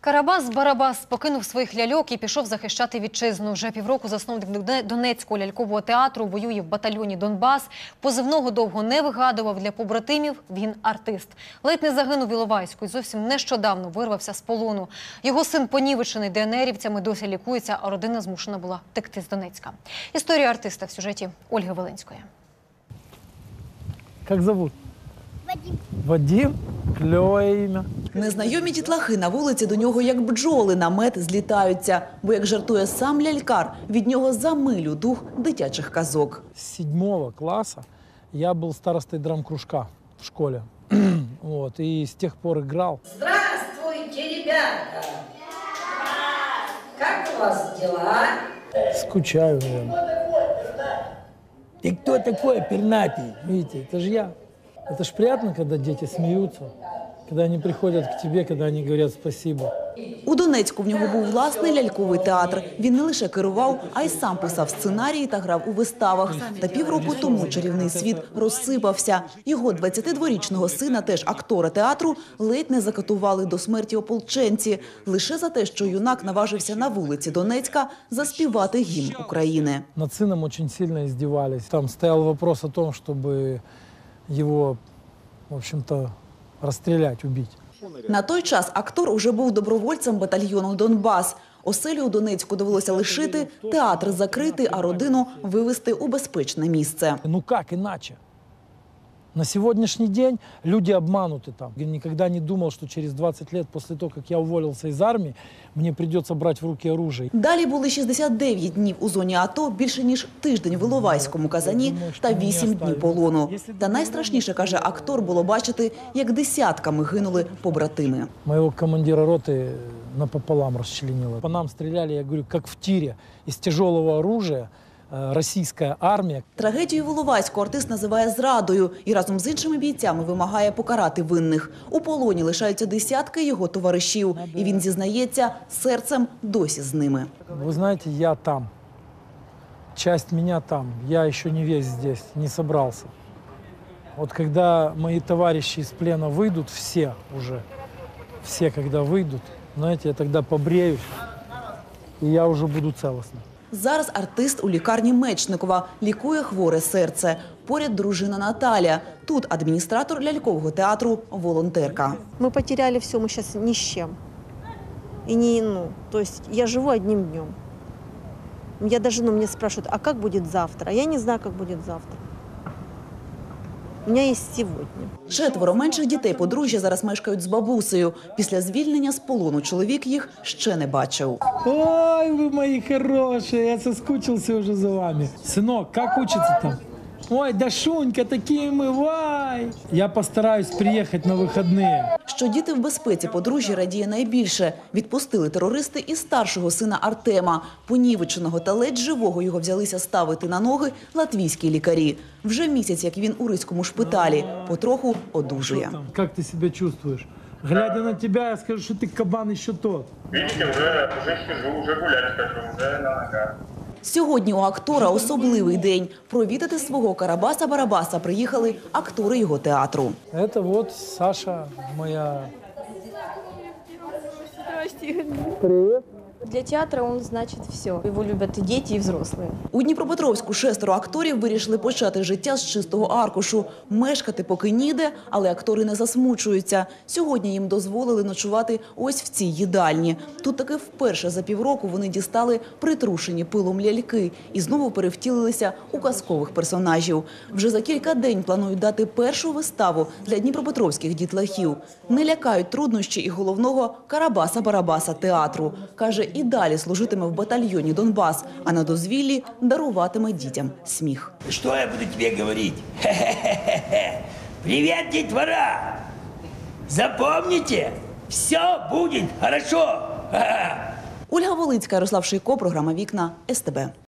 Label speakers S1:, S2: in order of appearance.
S1: Карабас-Барабас покинув своїх ляльок і пішов захищати вітчизну. Вже півроку засновник Донецького лялькового театру воює в батальйоні «Донбас». Позивного довго не вигадував. Для побратимів він артист. Ледь не загинув в Іловайську і зовсім нещодавно вирвався з полону. Його син понівечений ДНРівцями досі лікується, а родина змушена була втекти з Донецька. Історія артиста в сюжеті Ольги Волинської.
S2: Як зовут? Вадим. Вадим? Кльове ім'я.
S3: Незнайомі дітлахи на вулиці до нього як бджоли на мед злітаються. Бо, як жартує сам лялькар, від нього за милю дух дитячих казок.
S2: З 7 класу я був старостой драм-кружка в школі. Вот, и с тех пор играл.
S4: Здравствуйте, ребята! Как у вас дела?
S2: Скучаю, наверное. Ты кто такой, пернатый? Видите, это же я. Это ж приятно, когда дети смеются, когда они приходят к тебе, когда они говорят спасибо.
S3: У Донецьку в нього був власний ляльковий театр. Він не лише керував, а й сам писав сценарії та грав у виставах. Та півроку тому чарівний світ розсипався. Його 22-річного сина, теж актора театру, ледь не закатували до смерті ополченці. Лише за те, що юнак наважився на вулиці Донецька заспівати гімн України.
S2: Над сыном очень сильно издевались. Там стоял вопрос о том, чтобы его, в общем-то, расстрелять, убить.
S3: На той час актор уже був добровольцем батальйону «Донбас». Оселю у Донецьку довелося лишити, театр закрити, а родину вивезти у безпечне місце.
S2: Ну как иначе? На сегодняшний день люди обмануты там. Я никогда не думал, что через 20 лет после того, как я уволился из армии, мне придется брать в руки оружие.
S3: Далі були 69 днів у зоні АТО, більше ніж тиждень в Іловайському казані та 8 днів полону. Та найстрашніше, каже актор, було бачити, як десятками гинули побратими.
S2: Моего командира роты напополам расчленило. По нам стреляли, я говорю, как в тире, из тяжелого оружия. Російська армія.
S3: Трагедію в Іловайську артист називає зрадою і разом з іншими бійцями вимагає покарати винних. У полоні лишаються десятки його товаришів. І він зізнається, серцем досі з ними.
S2: Ви знаєте, я там. Часть меня там. Я ще не весь здесь, не собрался. Вот когда мои товарищи из плена выйдут, все когда выйдут, знаете, я тогда побреюсь, и я уже буду целостным.
S3: Зараз артист у лікарні Мечникова, лікує хворе серце. Поряд дружина Наталя. Тут адміністратор лялькового театру, волонтерка.
S5: Мы потеряли все, мы сейчас ни с чем. И то есть я живу одним днем. Я даже, меня спрашивают, а как будет завтра? Я не знаю, как будет завтра. У мене є сьогодні.
S3: 4 менших дітей подружжя зараз мешкають з бабусею. Після звільнення з полону чоловік їх ще не бачив.
S2: Ой, ви мої хороші, я соскучився вже за вами. Синок, як учиться там? Ой, Дашунька, такі ми, вай! Я постараюсь приїхати на вихідні.
S3: Що діти в безпеці подружжя радіє найбільше. Відпустили терористи і старшого сина Артема. Понівеченого та ледь живого його взялися ставити на ноги латвійські лікарі. Вже місяць, як він у Ризькому шпиталі. Потроху одужує.
S2: Як ти себе чувствуєш? Глядя на тебе, я скажу, що ти кабан ще тот.
S6: Видите, уже хожу, уже гулять хожу, уже на ногах.
S3: Сьогодні у актора особливий день. Провідати свого Карабаса-Барабаса приїхали актори його театру.
S2: Це от Саша, моя... Привіт.
S7: Для театра он значит все. Его любят и дети, и взрослые.
S3: У Дніпропетровську 6 акторів вирішили почати життя з чистого аркушу. Мешкати поки ніде, але актори не засмучуються. Сьогодні їм дозволили ночувати ось в цій їдальні. Тут таки вперше за півроку вони дістали притрушені пилом ляльки і знову перевтілилися у казкових персонажів. Вже за кілька день планують дати першу виставу для дніпропетровських дітлахів. Не лякають труднощі і головного Карабаса-Барабаса театру. Каже, і далі служитиме в батальйоні «Донбас», а на дозвіллі даруватиме дітям сміх.
S8: Что я буду тебе говорить? Хе-хе-хе-хе. Привет, детвора! Запомните, все будет хорошо.
S3: Ольга Волинська, Ярослав Шийко, програма «Вікна», СТБ.